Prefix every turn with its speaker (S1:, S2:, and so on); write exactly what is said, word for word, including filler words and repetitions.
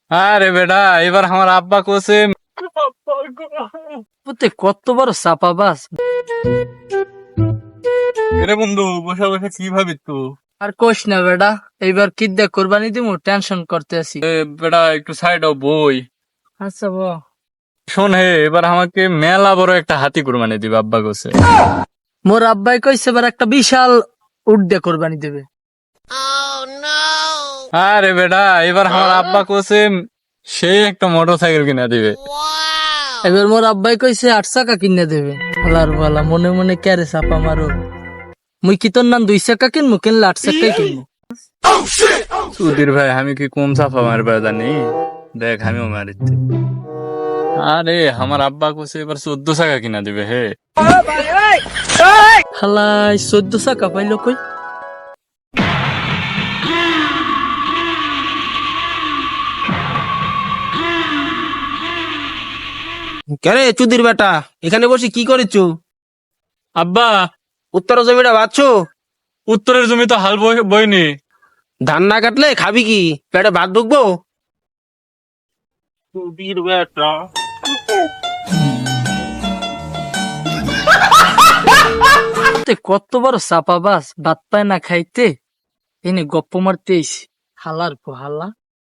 S1: আরে বেটা, এবার আমার আব্বা কোসে
S2: পুতে কত বড় চাপাবাজ।
S1: রে বন্ধু, বসে বসে কি ভাবি তো?
S2: আর কোশ না বেটা, এইবার কি দিয়ে কোরবানি দিমু, টেনশন করতে আছি।
S1: এ বেটা, একটু সাইড হও বই।
S2: আচ্ছা ব
S1: শোন হে, এবার আমাকে মেলা বড় একটা হাতি কুরবানি দিবে আব্বা কোসে।
S2: মোর আব্বাই কইছে এবার একটা বিশাল উট দিয়ে কোরবানি দেবে।
S1: আরে বেটা, এবার আমার আব্বা কোসে সেই একটা মোটর সাইকেল কিনা দিবে।
S2: এবার মোর আব্বাই কইছে আট চাকা কিনে দেবে। হালার বালা, মনে মনে ক্যারে চাপা মারো। মুই কি তোর নাম দুই চাকা কিনবো, কিনলে আট চাকাই কিনবো।
S1: সুধীর ভাই, আমি কি কম চাপা মারবা জানি? দেখ আমিও মারিতে। আরে আমার আব্বা কোসে এবার চোদ্দ চাকা কিনা দিবে হে।
S2: হালাই চোদ্দ চাকা পাইলো কই?
S3: কেরে চুদির বেটা, এখানে বসে কি করেছো?
S1: আব্বা,
S3: উত্তর জমিটা বাঁচছো?
S1: উত্তরের জমি তো হাল বই- বইনি।
S3: ধান না কাটলে খাবি কি? পেটে ভাত ঢুকবো? চুদির বেটা।
S2: তে কত বড় চাপাবাজ, ভাত পায় না খাইতে, এনে গপ্প মারতে আইছি। হালার পো হালা।